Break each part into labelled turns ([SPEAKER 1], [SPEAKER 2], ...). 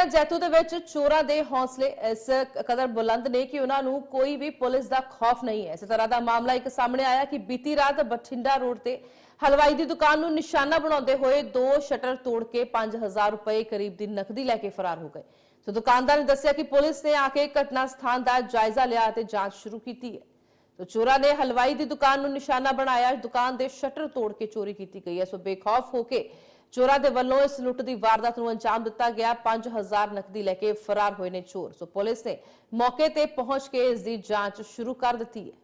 [SPEAKER 1] ਜੈਤੋ ਦੇ ਵਿੱਚ ਚੋਰਾਂ ਦੇ ਹੌਸਲੇ ਇਸ ਕਦਰ ਬੁਲੰਦ ਨੇ ਕਿ ਉਹਨਾਂ ਨੂੰ ਕੋਈ ਵੀ ਪੁਲਿਸ ਦਾ ਖੌਫ ਨਹੀਂ ਹੈ। ਇਸੇ ਤਰ੍ਹਾਂ ਦਾ ਮਾਮਲਾ ਇੱਕ ਸਾਹਮਣੇ ਆਇਆ ਕਿ ਬੀਤੀ ਰਾਤ ਬਠਿੰਡਾ ਰੋਡ ਤੇ ਹਲਵਾਈ ਦੀ ਦੁਕਾਨ ਨੂੰ ਨਿਸ਼ਾਨਾ ਬਣਾਉਂਦੇ ਹੋਏ 2 ਸ਼ਟਰ ਤੋੜ ਕੇ 5000 ਰੁਪਏ ਕਰੀਬ ਦੀ ਨਕਦੀ ਲੈ ਕੇ ਫਰਾਰ ਹੋ ਗਏ। ਸੋ ਦੁਕਾਨਦਾਰ ਨੇ ਦੱਸਿਆ ਕਿ ਪੁਲਿਸ ਨੇ ਆ ਕੇ ਘਟਨਾ ਸਥਾਨ ਦਾ ਜਾਇਜ਼ਾ ਲਿਆ ਅਤੇ ਜਾਂਚ ਸ਼ੁਰੂ ਕੀਤੀ ਹੈ। तो चोरा ने हलवाई की दुकान को निशाना बनाया, दुकान के शटर तोड़ के चोरी की गई है। सो बेखौफ होकर चोरा के वालों इस लुट की वारदात को अंजाम दिता गया। 5000 नकदी लेके फरार हुए ने चोर। सो पुलिस ने मौके ते पहुंच के इसकी जांच शुरू कर दी है।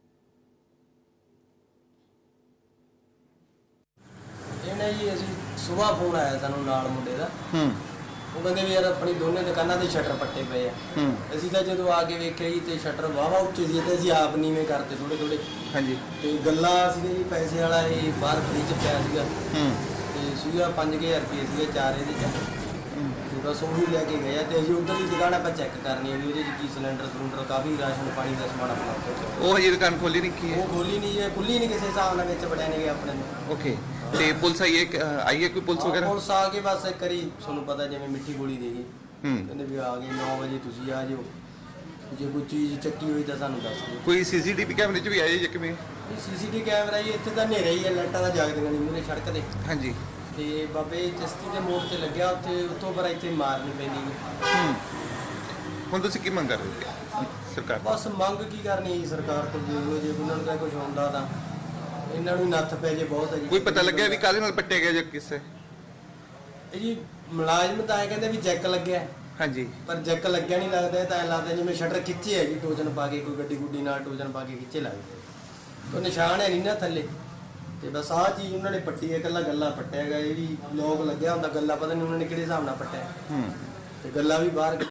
[SPEAKER 2] सुबह फोन आया सानू नाल मुंडे दा, ਉਹ ਕਹਿੰਦੇ ਵੀ ਯਾਰ ਆਪਣੀ ਦੋਨੇ ਦੁਕਾਨਾਂ ਦੇ ਸ਼ਟਰ ਪੱਟੇ ਪਏ ਆ। ਅਸੀਂ ਤਾਂ ਜਦੋਂ ਆ ਕੇ ਵੇਖਿਆ ਜੀ ਤੇ ਸ਼ਟਰ ਵਾਵਾ ਉੱਚੇ ਸੀ ਤੇ ਅਸੀਂ ਆਪ ਨੀਵੇਂ ਕਰਤੇ ਥੋੜੇ ਥੋੜੇ। ਹਾਂਜੀ। ਤੇ ਗੱਲਾਂ ਸੀਗੇ ਜੀ ਪੈਸੇ ਵਾਲਾ ਇਹ ਬਾਹਰ ਫ੍ਰਿਜ ਪਿਆ ਸੀਗਾ ਤੇ ਸੀਗਾ 5000 ਰੁਪਏ ਸੀਗੇ ਚਾਰ ਇਹਦੇ ਚ। ਤੇ ਬਸ ਉਹੀ ਲੈ ਕੇ ਗਏ ਤੇ ਅਸੀਂ ਉਧਰਲੀ ਦੁਕਾਨ ਆਪਾਂ ਚੈੱਕ ਕਰਨੀ ਹੈ ਵੀ ਉਹਦੇ ਚ ਕੀ ਸਿਲੰਡਰ ਕਾਫੀ ਰਾਸ਼ਨ ਪਾਣੀ ਦਾ ਸਮਾਨ ਆਪਣਾ।
[SPEAKER 3] ਉਹ ਹਜੇ ਦੁਕਾਨ ਖੋਲੀ ਨਹੀਂ ਕੀ ਹੈ?
[SPEAKER 2] ਉਹ ਖੋਲੀ ਨਹੀਂ ਜੀ, ਖੁੱਲੀ ਨਹੀਂ ਕਿਸੇ ਹਿਸਾਬ ਨਾਲ, ਵਿੱਚ ਵੜਿਆ ਨਹੀਂ ਗਿਆ ਆਪਣੇ ਨੂੰ।
[SPEAKER 3] ਓਕੇ। ਤੇ ਪੁਲਿਸ ਆਈ ਹੈ ਕੋਈ ਪੁਲਿਸ ਵਗੈਰਾ?
[SPEAKER 2] ਪੁਲਿਸ ਆ ਕੇ ਬਸ ਇੱਕ ਵਾਰੀ ਤੁਹਾਨੂੰ ਪਤਾ ਜਿਵੇਂ ਮਿੱਠੀ ਗੋਲੀ ਦੇ ਗਈ, ਕਹਿੰਦੇ ਵੀ ਆ ਗਏ 9 ਵਜੇ ਤੁਸੀਂ ਆ ਜਾਓ, ਜੇ ਕੋਈ ਚੀਜ਼ ਚੱਕੀ ਹੋਈ ਤਾਂ ਸਾਨੂੰ ਦੱਸ ਦਿਓ।
[SPEAKER 3] ਕੋਈ ਸੀਸੀਟੀਵੀ ਕੈਮਰੇ 'ਚ ਵੀ ਆਏ ਜੇ ਕਿਵੇਂ?
[SPEAKER 2] ਸੀਸੀਟੀਵੀ ਕੈਮਰਾ ਹੀ ਇੱਥੇ ਤਾਂ ਹਨੇਰਾ ਹੀ ਹੈ, ਲਾਈਟਾਂ ਤਾਂ ਜਗਦੀਆਂ ਨਹੀਂ ਮੂਹਰੇ ਸੜਕ ਤੇ।
[SPEAKER 3] ਹਾਂਜੀ।
[SPEAKER 2] ਤੇ ਬਾਬੇ ਚਿਸ਼ਤੀ ਦੇ ਮੋੜ ਤੇ ਲੱਗਿਆ ਉੱਥੇ, ਉੱਥੋਂ ਪਰ ਇੱਥੇ ਮਾਰ ਨਹੀਂ ਪੈਂਦੀ।
[SPEAKER 3] ਹੁਣ ਤੁਸੀਂ ਕੀ ਮੰਗ ਕਰ ਰਹੇ ਹੋ ਸਰਕਾਰ?
[SPEAKER 2] ਬਸ ਮੰਗ ਕੀ ਕਰਨੀ ਹੈ ਸਰਕਾਰ ਤੋਂ, ਜੇ ਉਹਨਾਂ ਨੂੰ ਕੁਝ ਹੁੰਦਾ ਤਾਂ ਇਹਨਾਂ ਨੂੰ ਨੱਥ ਪੈ ਜੇ ਬਹੁਤ ਹੈ ਜੀ।
[SPEAKER 3] ਕੋਈ ਪਤਾ ਲੱਗਿਆ ਵੀ ਕਾਹਦੇ ਨਾਲ ਪੱਟਿਆ ਗਿਆ ਜਾਂ ਕਿਸੇ?
[SPEAKER 2] ਇਹ ਜੀ ਮੁਲਾਜ਼ਮ ਤਾਂ ਐ ਕਹਿੰਦੇ ਵੀ ਜੈਕ ਲੱਗਿਆ। ਹਾਂਜੀ। ਪਰ ਜੈਕ ਲੱਗਿਆ ਨਹੀਂ ਲੱਗਦਾ, ਤਾਂ ਐ ਲੱਗਦਾ ਜਿਵੇਂ ਸ਼ਟਰ ਖਿੱਚੇ ਹੈ ਜੀ, ਟੋਜਨ ਪਾ ਕੇ ਕੋਈ ਗੱਡੀ ਗੁੱਡੀ ਨਾਲ ਟੋਜਨ ਪਾ ਕੇ ਖਿੱਚੇ ਲੱਗਦੇ। ਕੋਈ ਨਿਸ਼ਾਨ ਹੈ ਨਹੀਂ ਨਾ ਥੱਲੇ। ਤੇ ਬਸ ਆਹ ਚੀਜ਼ ਉਹਨਾਂ ਨੇ ਪੱਟੀ ਹੈ, ਇਕੱਲਾ ਗੱਲਾ ਪੱਟਿਆ ਹੈਗਾ। ਇਹ ਵੀ ਲੋਕ ਲੱਗਿਆ ਹੁੰਦਾ ਗੱਲਾ, ਪਤਾ ਨਹੀਂ ਉਹਨਾਂ ਨੇ ਕਿਹੜੇ ਹਿਸਾਬ ਨਾਲ ਪੱਟਿਆ ਤੇ ਗੱਲਾ ਵੀ ਬਾਹਰ